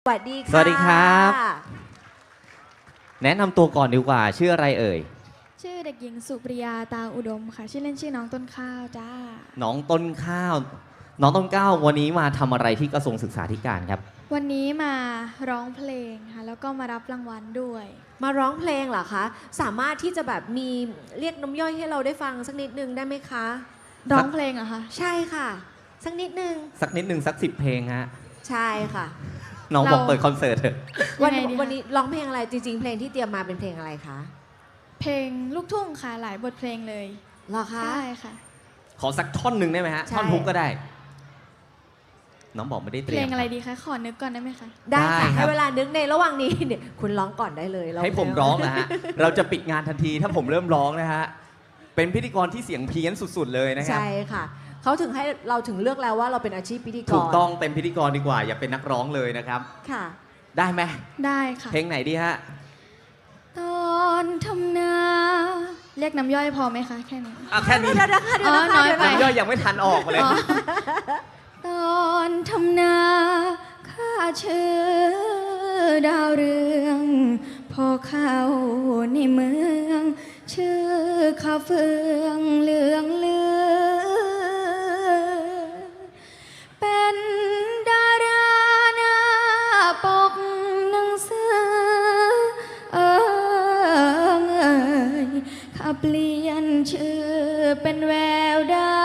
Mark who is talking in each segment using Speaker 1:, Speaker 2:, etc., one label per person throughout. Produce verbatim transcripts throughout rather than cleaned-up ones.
Speaker 1: สวัสดีค่ะ
Speaker 2: สวัสดีครับ แนะนำตัวก่อนดีกว่าชื่ออะไรเอ่ย
Speaker 3: ชื่อเด็กหญิงสุปริยาตาอุดมค่ะชื่อเล่นชื่อน้องต้นข้าวจ้า
Speaker 2: น้องต้นข้าว น้องต้นข้าววันนี้มาทำอะไรที่กระทรวงศึกษาธิการครับ
Speaker 3: วันนี้มาร้องเพลงค่ะแล้วก็มารับรางวัลด้วย
Speaker 1: มาร้องเพลงเหรอคะสามารถที่จะแบบมีเรียกน้ำย่อยให้เราได้ฟังสักนิดนึงได้ไหมคะ
Speaker 3: ร้องเพลงเหรอคะ
Speaker 1: ใช่ค่ะ สักนิดนึง
Speaker 2: สักนิดหนึ่งสักสิบเพลงฮะ
Speaker 1: ใช่ค่ะ
Speaker 2: น้องบอกเปิดคอนเสิร์ตเถอะ
Speaker 1: วัน
Speaker 3: ยังไงดีคะ
Speaker 1: วันนี้ร้องเพลงอะไรจริงๆ เพลงที่เตรียมมาเป็นเพลงอะไรคะ
Speaker 3: เพลงลูกทุ่งค่ะหลายบทเพลงเลย
Speaker 1: เหรอคะ
Speaker 3: ใช่ค่ะ
Speaker 2: ขอสักท่อนหนึ่งได้ไหมฮะ
Speaker 1: ใช่
Speaker 2: ท่อนฮุกก็ได้ น้องบอกไม่ได้เต
Speaker 3: เพ
Speaker 2: รี
Speaker 3: ล
Speaker 2: ยม
Speaker 3: งอะไรดีคะขอนึกก่อนได้ไหมคะ
Speaker 1: ได้
Speaker 2: ได้
Speaker 1: ค่ะ
Speaker 2: ครับ
Speaker 1: ให้เวลานึกในระหว่างนี้เนี่ยคุณร้องก่อนได้เลยา
Speaker 2: ให้ผมร้องนะฮะ เราจะปิดงานทันทีถ้าผมเริ่มร้องนะฮะ เป็นพิธีกรที่เสียงเพี้ยนสุดๆเลยนะครับ
Speaker 1: ใช่ค่ะเขาถึงให้เราถึงเลือกแล้วว่าเราเป็นอาชีพพิธีกร
Speaker 2: ถูกต้องเต็มพิธีกรดีกว่า อย่าเป็นนักร้องเลยนะครับ
Speaker 1: ค่ะ
Speaker 2: ได้ไหม
Speaker 3: ได้ค่ะ
Speaker 2: เพลงไหนดีฮะ
Speaker 3: ตอนทำนาเรียกน้ำย่อยพอไหมคะแค่นี้
Speaker 2: อ่ะแค่นี้
Speaker 1: เดี๋ยวนะคะเดี๋ยว
Speaker 3: อ๋อ
Speaker 1: นะคะ
Speaker 3: น้อย
Speaker 1: เดี๋ยว
Speaker 3: ไป
Speaker 1: นะคะ
Speaker 2: น้ำย่อยยังไม่ทันออกมาเลย
Speaker 3: อ๋อตอนทำนาข้าชื่อดาวเรืองพอเข้าในเมือง ชื่อข้าเฟืองเหลืองเลือเป็นดาราหน้าปกหนังสือเอิงเอ่ยข้าเปลี่ยนชื่อเป็นแววดาว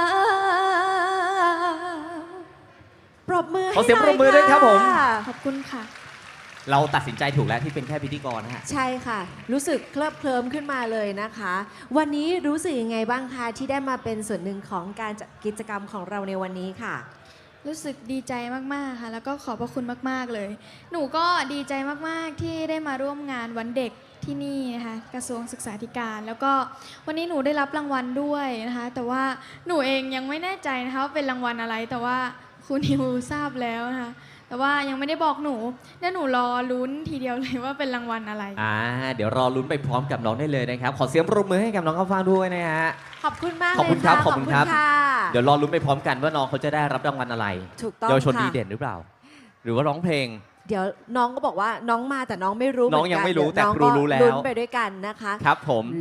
Speaker 1: ปรบมือให้
Speaker 2: ขอเสียง
Speaker 1: หน่
Speaker 2: ปรบมือด้วยครับผม
Speaker 1: ะ
Speaker 3: ขอบคุณค่ะ
Speaker 2: เราตัดสินใจถูกแล้วที่เป็นแค่พิธีกรนะฮะ
Speaker 1: ใช่ค่ะ รู้สึกเคลิบเคลิ้มขึ้นมาเลยนะคะ วันนี้รู้สึกยังไงบ้างคะที่ได้มาเป็นส่วนหนึ่งของการจัดกิจกรรมของเราในวันนี้ค่ะ
Speaker 3: รู้สึกดีใจมาก ๆ ค่ะ แล้วก็ขอบพระคุณมาก ๆ เลย หนูก็ดีใจมาก ๆ ที่ได้มาร่วมงานวันเด็กที่นี่นะคะกระทรวงศึกษาธิการ แล้วก็วันนี้หนูได้รับรางวัลด้วยนะคะ แต่ว่าหนูเองยังไม่แน่ใจนะคะว่าเป็นรางวัลอะไร แต่ว่าครูนิวทราบแล้วนะคะ แต่ว่ายังไม่ได้บอกหนูเดี๋ยวหนูรอลุ้นทีเดียวเลยว่าเป็นรางวัลอะไร
Speaker 2: อ่า เดี๋ยวรอลุ้นไปพร้อมกับน้องได้เลยนะครับ ขอเสียงปรบมือให้กับน้องข้าวฟ่างด้วยนะฮะ
Speaker 1: ขอบคุณมาก
Speaker 2: ขอบคุณครับ
Speaker 1: เลยะ
Speaker 2: ขอบคุณครับ
Speaker 1: ค่ะ
Speaker 2: เดี๋ยวรอลุ้นไปพร้อมกันว่าน้องเขาจะได้รับรางวัลอะไร
Speaker 1: ถูกต้อง
Speaker 2: เยาวชน
Speaker 1: ค่ะ
Speaker 2: ดีเด่นหรือเปล่า หรือว่าร้องเพลง
Speaker 1: เดี๋ยวน้องก็บอกว่าน้องมาแต่น้องไม่รู้
Speaker 2: น้องยังไม่รู้
Speaker 1: เห
Speaker 2: แต่
Speaker 1: กั
Speaker 2: ครูรู้แล้ว
Speaker 1: ลุ้นไปด้วยกันนะคะ
Speaker 2: ครับผม